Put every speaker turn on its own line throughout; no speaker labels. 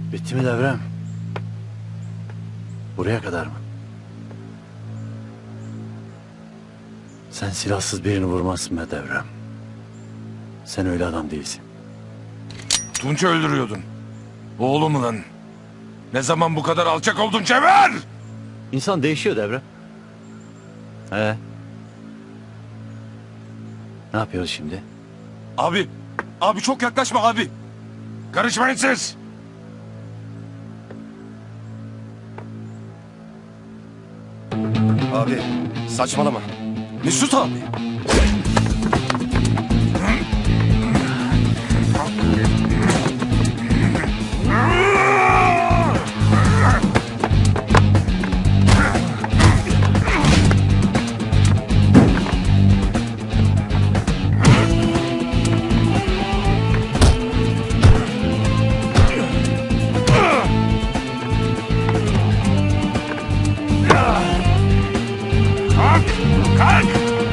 Bitti mi devrem? Buraya kadar mı? Sen silahsız birini vurmazsın be devrem. Sen öyle adam değilsin.
Tunç'u öldürüyordun. Oğlum lan. Ne zaman bu kadar alçak oldun Cevher?
İnsan değişiyor devrem. He. Ne yapıyoruz şimdi?
Abi çok yaklaşma abi. Karışmayın siz.
Abi saçmalama.
Mesut abi. Kalk!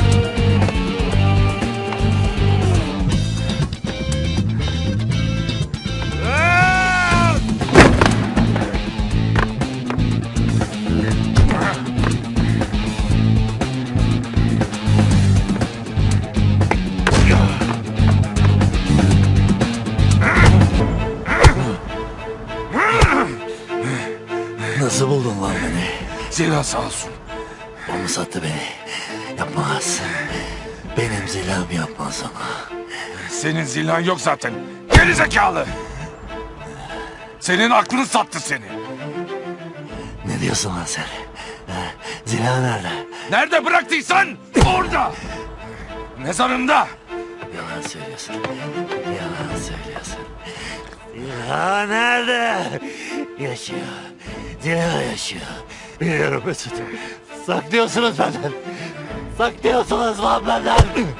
Nasıl buldun lan beni?
Zira sağ olsun.
O mu sattı beni? Yapmaz. Benim zilahım yapmaz ona.
Senin zilhan yok zaten. Geri zekalı. Senin aklın sattı seni.
Ne diyorsun lan sen? Zilah nerede?
Nerede bıraktıysan orada. Mezarında.
Yalan söylüyorsun. Yalan söylüyorsun. Zilah nerede? Yaşıyor. Zilah yaşıyor. Biliyorum Mesut. Saklıyorsunuz benden. Saklıyorsunuz lan benden.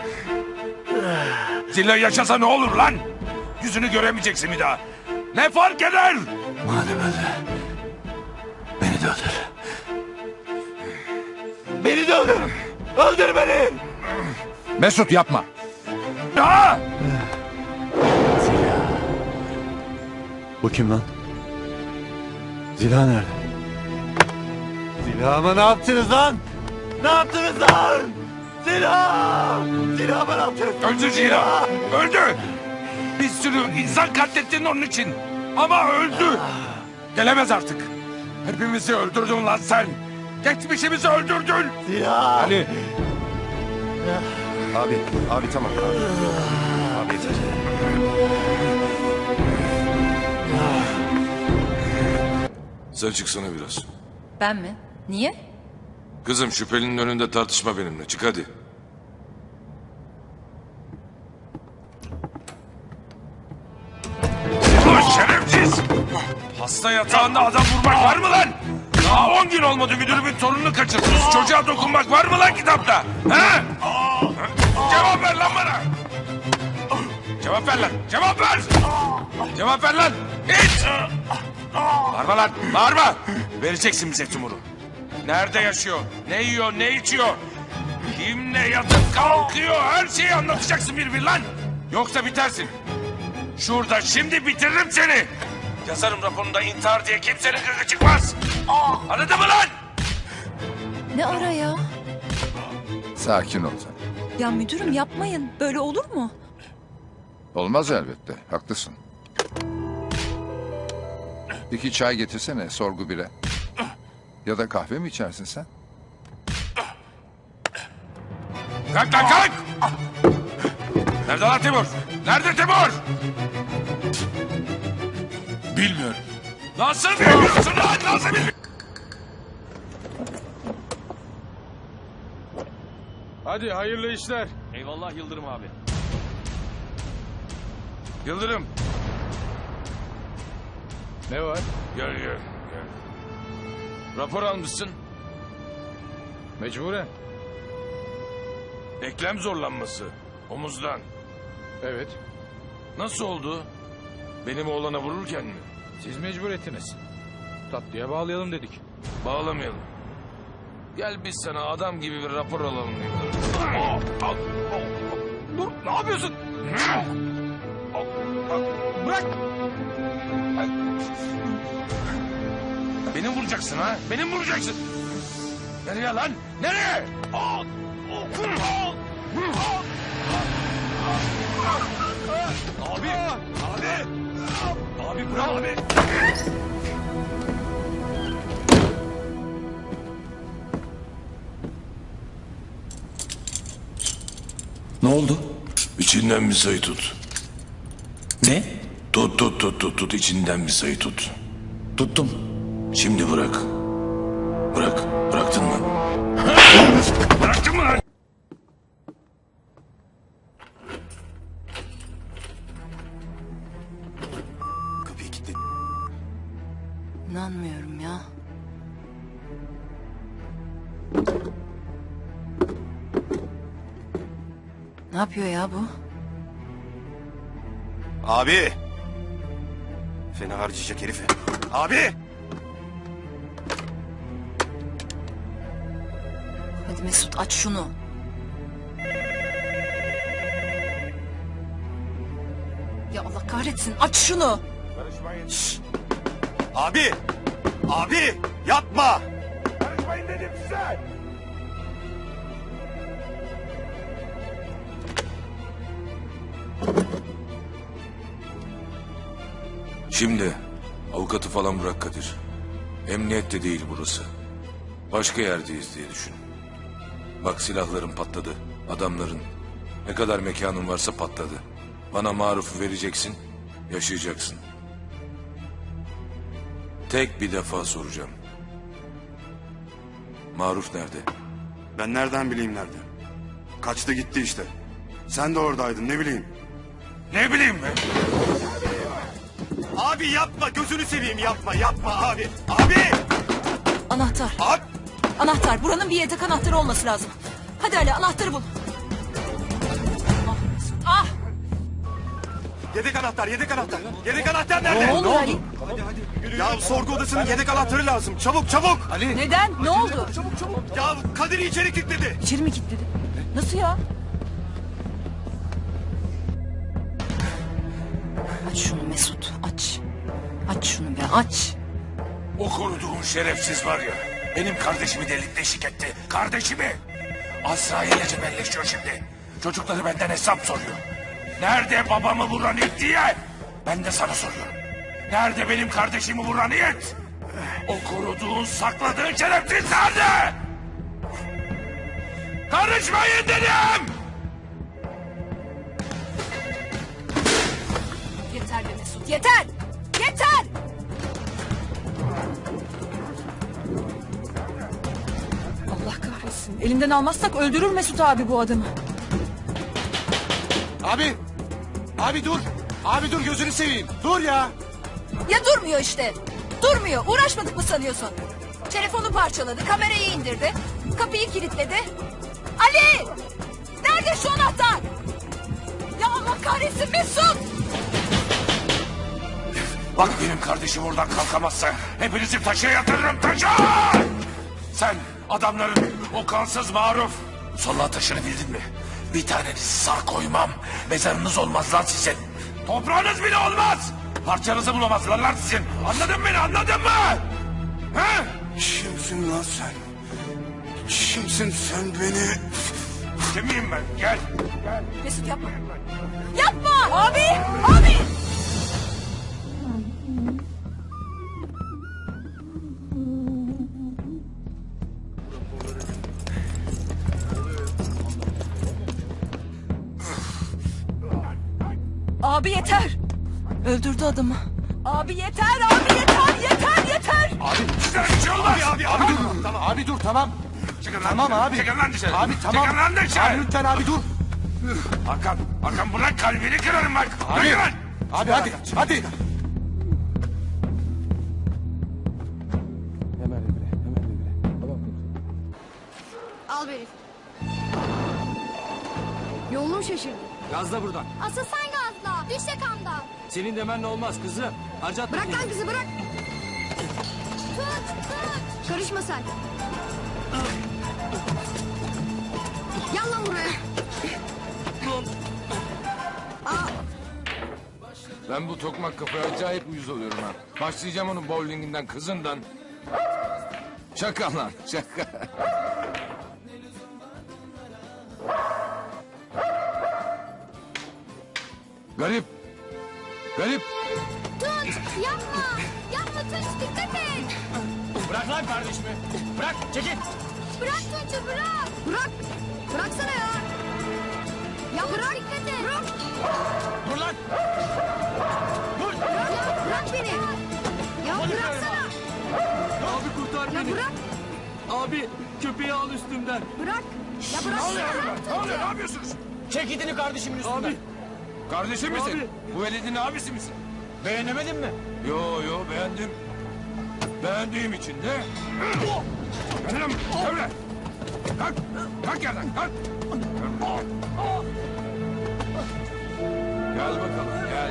Zilla yaşasa ne olur lan? Yüzünü göremeyeceksin bir daha. Ne fark eder?
Madem öyle. Beni de öldür. Beni de öldür. Öldür beni.
Mesut yapma. Ya!
Zilah. Bu kim lan? Zilah nerede? Zilahıma ne yaptınız lan? Ne yaptınız lan? Zilah! Zilahıma ne yaptınız?
Öldü Zira. Öldü. Bir sürü insan katlettin onun için. Ama öldü. Gelemez artık. Hepimizi öldürdün lan sen. Geçmişimizi öldürdün.
Zilah!
Ali.
Abi tamam abi. Abi yeter.
Sen çıksana biraz.
Ben mi? Niye?
Kızım şüphelinin önünde tartışma benimle. Çık hadi. Ulan şerefsiz! Hasta yatağında adam vurmak var mı lan? Daha 10 gün olmadı müdürümün torununu kaçırdınız. Çocuğa dokunmak var mı lan kitapta? He? Cevap ver lan bana! Cevap ver lan! Cevap ver! Cevap ver lan! Hiç! Bağırma lan! Bağırma! Vereceksin bize Timur'u. Nerede yaşıyor? Ne yiyor? Ne içiyor? Kimle yatıp kalkıyor? Her şeyi anlatacaksın bir lan! Yoksa bitersin. Şurada şimdi bitiririm seni. Yazarım raporunda intihar diye kimsenin gırgı çıkmaz. Anladın mı lan?
Ne ara ya?
Sakin ol sen.
Ya müdürüm yapmayın. Böyle olur mu?
Olmaz elbette. Haklısın. 2 çay getirsene sorgu bire. Ya da kahve mi içersin sen?
Kalk lan kalk! Nerede lan Timur? Nerede Timur? Bilmiyorum. Nasıl bilmiyorsun lan? Nasıl bilmiyorsun? Hadi hayırlı işler.
Eyvallah Yıldırım abi.
Yıldırım.
Ne var?
Gel. Rapor almışsın.
Mecburen.
Eklem zorlanması. Omuzdan.
Evet.
Nasıl oldu? Benim oğlana vururken mi?
Siz mecbur ettiniz. Tatlıya bağlayalım dedik.
Bağlamayalım. Gel biz sana adam gibi bir rapor alalım.
Dur, ne yapıyorsun? Bırak.
Beni vuracaksın ha? Beni mi vuracaksın? Nereye lan? Nereye? Abi! Abi! Abi bırak abi!
Ne oldu?
İçinden bir sayı tut.
Ne?
Tut içinden bir sayı tut.
Tuttum.
Şimdi bırak. Bırak. Bıraktın mı? Bıraktın mı lan?
Kapıyı kilitle.
İnanmıyorum ya. Ne yapıyor ya bu?
Abi! Fena harcayacak herifi. Abi!
Hadi Mesut aç şunu. Ya Allah kahretsin aç şunu.
Abi! Abi! Yapma!
Karışmayın dedim size!
Şimdi avukatı falan bırak Kadir. Emniyette değil burası. Başka yerdeyiz diye düşün. Bak silahların patladı. Adamların. Ne kadar mekanın varsa patladı. Bana marufu vereceksin. Yaşayacaksın. Tek bir defa soracağım. Maruf nerede?
Ben nereden bileyim nerede? Kaçtı gitti işte. Sen de oradaydın ne bileyim.
Ne bileyim ben?
Abi yapma! Gözünü seveyim yapma! Yapma abi! Abi!
Anahtar.
Abi!
Anahtar. Buranın bir yedek anahtarı olması lazım. Hadi Ali anahtarı bul. Ah Mesut ah.
Yedek anahtar! Yedek anahtar! Yedek anahtar
Ne
nerede?
olur Ali?
Ya sorgu odasının yedek anahtarı lazım. Çabuk çabuk!
Neden? Ne oldu?
Ya Kadir'i içeri kilitledi.
İçeri mi kilitledi? Nasıl ya? Aç şunu Mesut aç. Aç şunu be aç.
O koruduğun şerefsiz var ya, benim kardeşimi delik deşik etti. Kardeşimi! Azrail'le cebelleşiyor şimdi. Çocukları benden hesap soruyor. Nerede babamı vuran it diye? Ben de sana soruyorum. Nerede benim kardeşimi vuran it? O koruduğun, sakladığın şerefsiz nerede? Karışmayın dedim!
Yeter be Mesut yeter. Yeter. Allah kahretsin. Elimden almazsak öldürür Mesut abi bu adamı.
Abi! Abi dur! Abi dur gözünü seveyim. Dur ya!
Ya durmuyor işte. Durmuyor. Uğraşmadık mı sanıyorsun? Telefonu parçaladı, kamerayı indirdi. Kapıyı kilitledi. Ali! Nerede şu anahtar? Ya Allah kahretsin Mesut!
Bak benim kardeşim oradan kalkamazsa hepinizi taşa yatırırım taşa! Sen adamların o kansız Maruf solla taşını bildin mi? Bir tanenizi sağ koymam. Mezarınız olmaz lan sizin. Toprağınız bile olmaz. Parçanızı bulamazlar lan sizin. Anladın mı beni anladın mı? He?
Kimsin lan sen? Kimsin sen beni?
Kimiyim ben? Gel.
Mesut yapma. Yapma! Abi! Abi! Abi yeter. Öldürdü adamı. Abi yeter, abi yeter, yeter, yeter.
Size bir şey olmaz.
Abi dur. Tamam.
Abi dur tamam.
Çıkın lan
Tamam
dışarı.
abi.
Çıkın lan dışarı.
Abi tamam.
Çıkın lan dışarı.
Abi lütfen abi dur.
Hakan bırak kalbini kırarım bak.
Abi.
Bırak lan.
Abi hadi. Hadi.
Al beni. Yolunu şaşırdı.
Gazla buradan.
Asıl sen gazla. Düş yakamdan.
Senin demenle olmaz kızım. Harcatma
Bırak lan
kendini.
kızı bırak. Tut. Karışma sen. Gel lan buraya.
Ben bu tokmak kafaya acayip uyuz oluyorum ha. Başlayacağım onun bowlinginden, kızından. Şaka lan şaka. Garip. Garip.
Tunç yapma. Yapma Tunç dikkat et.
Bırak lan kardeşimi. Bırak çekil.
Bırak Tunç'u bırak. Bırak. Bıraksana ya. Ya bırak dikkat et. Bırak.
Dur lan. Dur.
Ya bırak beni. Ya bıraksana.
Abi kurtar
Ya
beni.
bırak.
Abi köpeği al üstümden.
Bırak. Ya bırak.
Ne oluyor burada? Ne oluyor? Ne yapıyorsunuz?
Çek itini kardeşimin üstünden. Abi.
Kardeşim misin?
Abi.
Bu veledin abisi misin?
Beğenemedin mi?
Yo beğendim. Beğendiğim için de... Gel lan, gel lan. Kalk, kalk yerden, kalk. Gel bakalım, gel.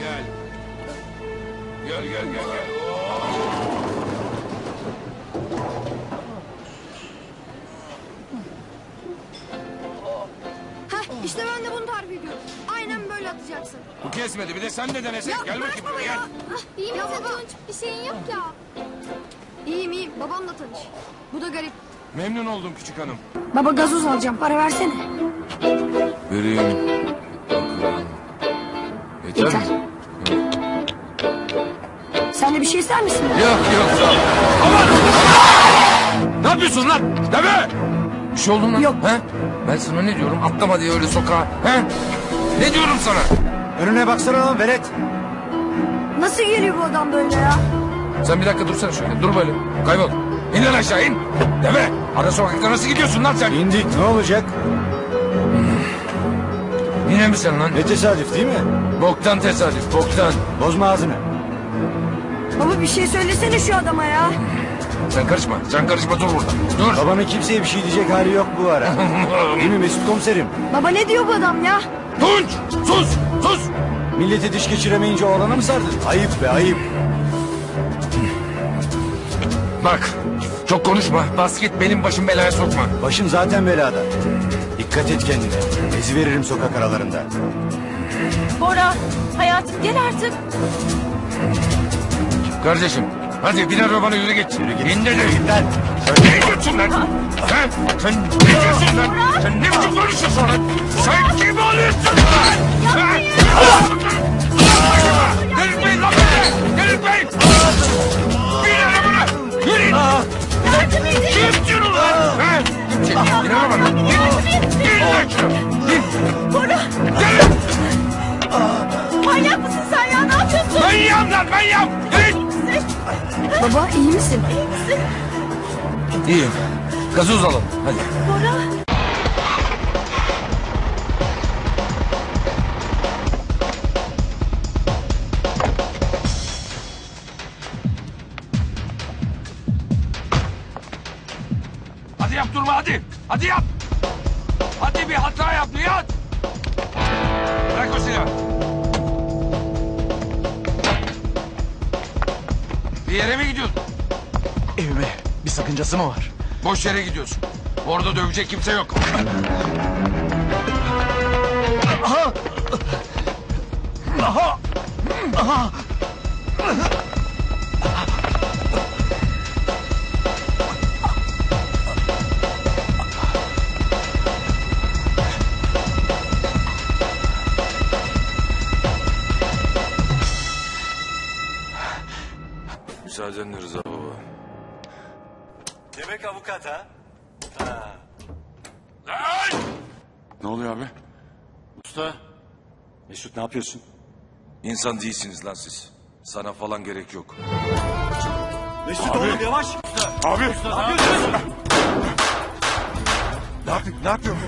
Gel.
Heh, işte ben de bunu tarif ediyorum. Aynen böyle atacaksın.
Bu kesmedi, bir de sen de denesin.
Ya
Gel
bırak
bakayım
baba
buraya,
ya.
gel.
İyi misin Tunç? Bir şeyin yok ya. İyiyim. Babamla tanış. Bu da garip.
Memnun oldum küçük hanım.
Baba gazoz alacağım. Para versene.
Vereyim. Yeter
Yeter.
mi?
Sen de bir şey ister misin?
Yok sağ ol.
Ne yapıyorsun lan? Deme!
Bir şey oldu mu lan?
Yok.
He? Ben sana ne diyorum? Atlama diye öyle sokağa. He? Ne diyorum sana?
Önüne baksana lan velet.
Nasıl geliyor bu adam böyle ya?
Sen bir dakika dursana şöyle. Dur böyle. Kaybol. İn lan aşağı in. Deme. Ara sokakta nasıl gidiyorsun lan sen?
İndik ne olacak?
Yine mi sen lan?
Ne tesadüf değil mi?
Boktan tesadüf. Boktan.
Bozma ağzını.
Baba bir şey söylesene şu adama ya.
Sen karışma. Dur burada. Dur.
Babanın kimseye bir şey diyecek hali yok bu ara. Değil mi Mesut komiserim?
Baba ne diyor bu adam ya?
Tunç. Sus.
Milleti diş geçiremeyince oğlana mı sardın? Ayıp be ayıp.
Bak. Çok konuşma. Bas git benim başım belaya sokma.
Başın zaten belada. Dikkat et kendine. Ezi veririm sokak aralarında.
Bora, hayatım gel artık.
Kardeşim. Hadi bin arabana yürü git. İn de
Git lan.
Ne diyorsun lan? He? Sen ne diyorsun lan? Sen ne biçim konuşuyorsun lan? Sen kim oluyorsun lan? He? Delirtmeyin lan beni! Delirtmeyin! Bin arabana! Yürüyün! Kim diyorsun lan? He? Bin arabana! Bin lan şunu! Bin! Gelin!
Manyak mısın sen ya? Ne yapıyorsun?
Manyağım lan manyağım! Yürüyün!
Baba iyi misin?
İyiyim. Gazoz alalım. Hadi.
Hadi yap durma hadi. Hadi yap. Hadi bir hata yap Nihat. Bırak o silahı. Bir yere mi gidiyorsun?
Evime bir sakıncası mı var?
Boş yere gidiyorsun. Orada dövecek kimse yok.
Müsaadenle Rıza baba.
Demek avukat ha?
Lan!
Ne oluyor abi?
Usta. Mesut ne yapıyorsun?
İnsan değilsiniz lan siz. Sana falan gerek yok.
Mesut oğlum yavaş.
Abi!
Ne yapıyorsun?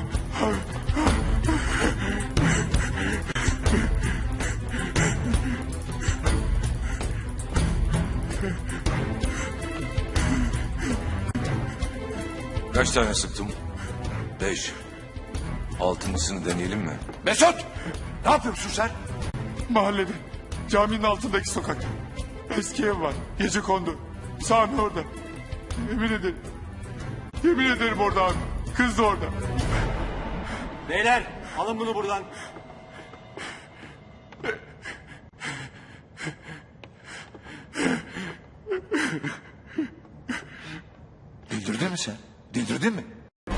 Kaç tane sıktım? 5. Altıncısını deneyelim mi?
Mesut!
Ne yapıyorsun sen?
Mahallede. Caminin altındaki sokakta. Eski ev var. Gece kondu. Sami orada. Yemin ederim. Yemin ederim orada abi. Kız da orada.
Beyler alın bunu buradan.
sen? Delirdin mi?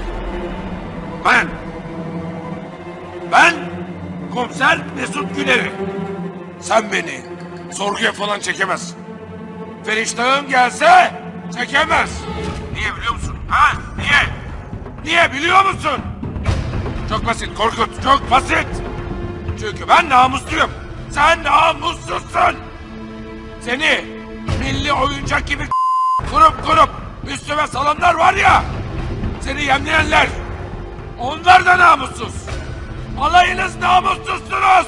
Ben komiser Mesut Güner'i. Sen beni sorguya falan çekemezsin. Feriştahın gelse çekemez. Niye biliyor musun? Ha? Niye? Niye biliyor musun? Çok basit Korkut, çok basit. Çünkü ben namusluyum. Sen namussuzsun. Seni milli oyuncak gibi kurup üstüme salanlar var ya. Seni yemleyenler. Onlar da namussuz. Alayınız namussuzsunuz.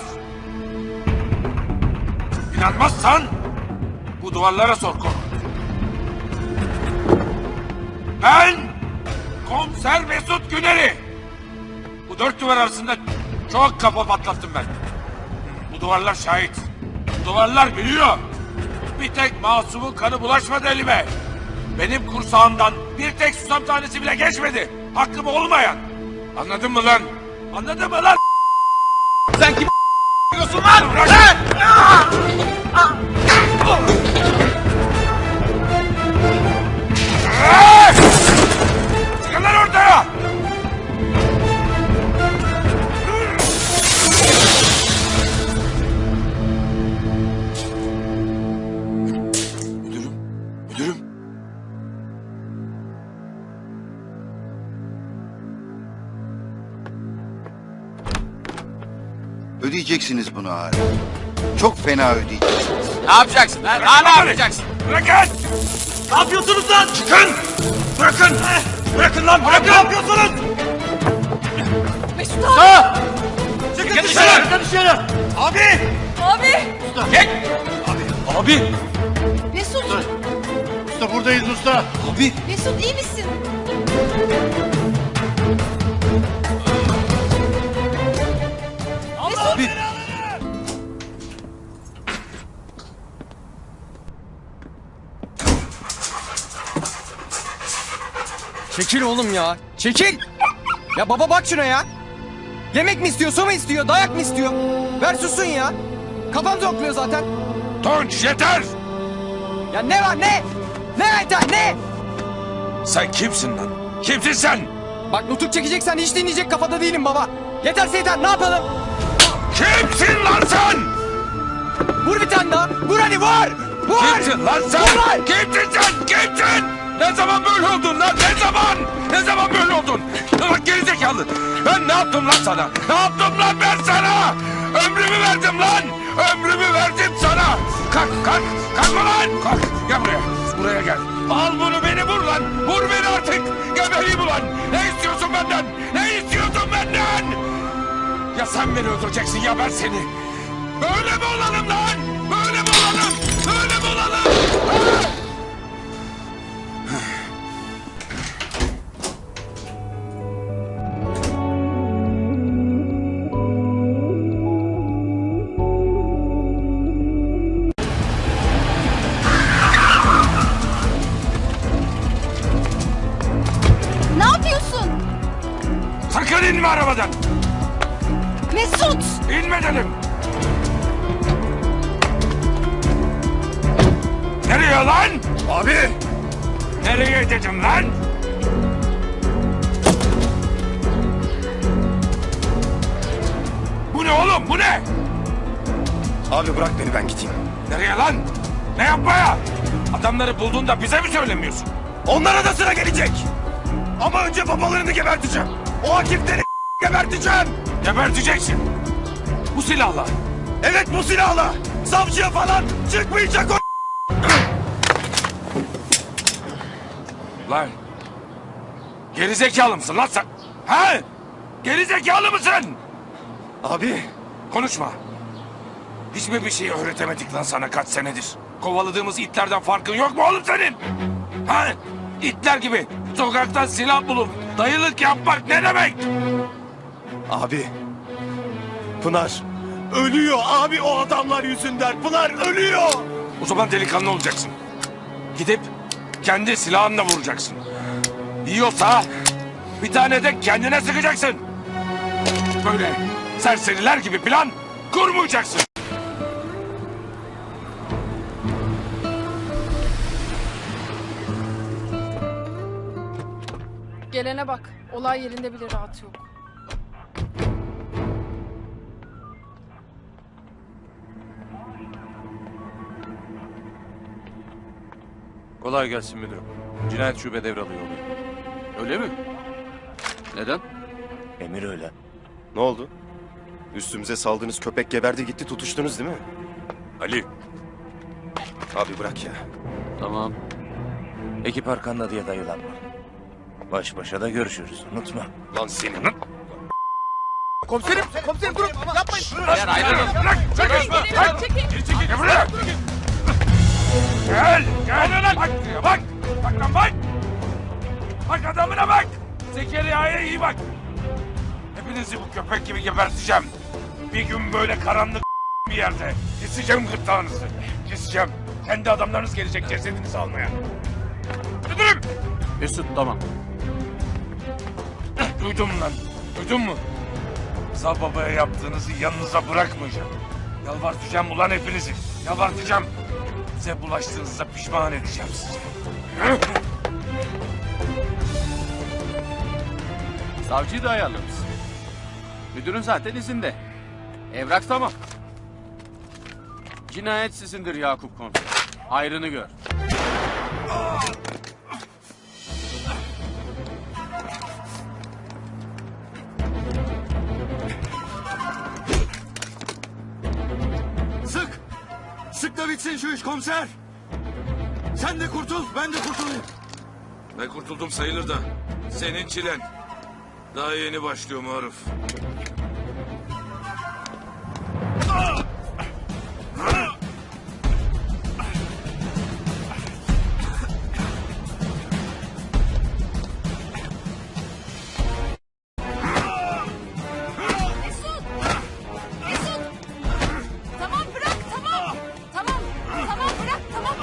İnanmazsan bu duvarlara sor Korkut. Ben komiser Mesut Güner'i. Bu dört duvar arasında çok kafa patlattım ben. Bu duvarlar şahit. Bu duvarlar biliyor. Bir tek masumun kanı bulaşmadı elime. Benim kursağımdan bir tek susam tanesi bile geçmedi. Hakkım olmayan. Anladın mı lan? Anladın mı lan?
Sen kim diyorsun lan?
Bırak. Çıkın lan ortaya!
Müdürüm.
Ödeyeceksiniz bunu abi. Çok fena ödeyeceksiniz.
Ne yapacaksın lan? Ha, ne yapacaksın?
Bırakın!
Ne yapıyorsunuz lan?
Çıkın! Bırakın! Bırakın lan! Bırakın!
Ne yapıyorsunuz?
Mesut abi.
Çıkın dışarı! Çıkın dışarı! Abi!
Abi.
Gel! Abi!
Mesut.
Usta buradayız usta.
Abi!
Mesut iyi misin?
Abi!
Çekil oğlum ya. Çekil. Ya baba bak şuna ya. Yemek mi istiyor, su mu istiyor, dayak mı istiyor? Ver sussun ya. Kafam zonkluyor zaten.
Tunç yeter!
Ya ne var ne? Ne yeter ne?
Sen kimsin lan? Kimsin sen?
Bak nutuk çekeceksen hiç dinleyecek kafada değilim baba. Yeterse yeter ne yapalım?
Kimsin lan sen?
Vur bir tane daha. Vur hadi vur. Vur.
Kimsin lan sen?
Vur lan.
Kimsin sen? Kimsin? Ne zaman böyle oldun lan? Ne zaman? Ne zaman böyle oldun? Bak gerizekalı. Ben ne yaptım lan sana? Ne yaptım lan ben sana? Ömrümü verdim lan. Ömrümü verdim sana. Kalk lan. Kalk. Gel buraya. Buraya gel. Al bunu beni vur lan. Vur beni artık. Gebereyim ulan. Ne istiyorsun benden? Ne istiyorsun benden? Ya sen beni öldüreceksin ya ben seni. Böyle mi olalım lan? Böyle mi olalım? Böyle mi olalım? Ha?
Ne yapıyorsun?
Sakın inme arabadan.
Mesut.
İnme dedim. Nereye lan? Abi. Nereye dedim lan? Bu ne oğlum bu ne?
Abi bırak beni ben gideyim.
Nereye lan? Ne yapmaya? Adamları bulduğunda bize mi söylemiyorsun?
Onlara da sıra gelecek. Ama önce babalarını geberteceğim. O hakimleri geberteceğim.
Geberteceksin. Bu silahla.
Evet bu silahla. Savcıya falan çıkmayacak o.
Lan. Gerizekalı mısın lan sen? Ha? Gerizekalı mısın?
Abi.
Konuşma. Hiç mi bir şey öğretemedik lan sana kaç senedir? Kovaladığımız itlerden farkın yok mu oğlum senin? Ha? İtler gibi sokaktan silah bulup dayılık yapmak ne demek?
Abi. Pınar. Ölüyor abi o adamlar yüzünden. Pınar ölüyor.
O zaman delikanlı olacaksın. Gidip kendi silahınla vuracaksın. Yiyorsa bir tane de kendine sıkacaksın. Böyle serseriler gibi plan kurmayacaksın.
Gelene bak. Olay yerinde bile rahat yok.
Kolay gelsin müdürüm. Cinayet şube devralıyor oluyor.
Öyle mi? Neden?
Emir öyle. Ne oldu? Üstümüze saldığınız köpek geberdi gitti tutuştunuz değil mi?
Ali.
Abi bırak ya.
Tamam.
Ekip arkanda diye dayılanma. Baş başa da görüşürüz. Unutma.
Lan senin.
Komiserim durun yapmayın.
Beyler ayrılın.
Çekil.
Gel buraya. Gel. Gel. Bak buraya bak. Bak lan bak. Bak adamına bak. Zekeriya'ya iyi bak. Hepinizi bu köpek gibi geberteceğim. Bir gün böyle karanlık bir yerde keseceğim gırtlağınızı. Keseceğim. Kendi adamlarınız gelecek cesedinizi almaya. Müdürüm.
Mesut tamam.
Duydun mu lan? Duydun mu? Rıza babaya yaptığınızı yanınıza bırakmayacağım. Yalvartacağım ulan hepinizi. Yalvartacağım. Size bulaştığınızda pişman edeceğim sizi.
Savcıyı da ayarlarız. Müdürün zaten izinde. Evrak tamam. Cinayet sizindir Yakup Komiser. Hayrını gör.
Sık! Sık da bitsin şu iş komiser! Sen de kurtul, ben de kurtulayım.
Ben kurtuldum sayılır da. Senin çilen. Daha yeni başlıyor Maruf.
Mesut. Tamam bırak tamam. Tamam bırak tamam.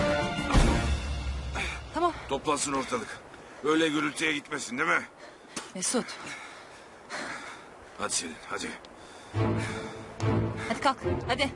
Tamam.
Toplansın ortalık. Öyle gürültüye gitmesin değil mi?
Mesut.
Hadi Selin hadi.
Hadi kalk hadi.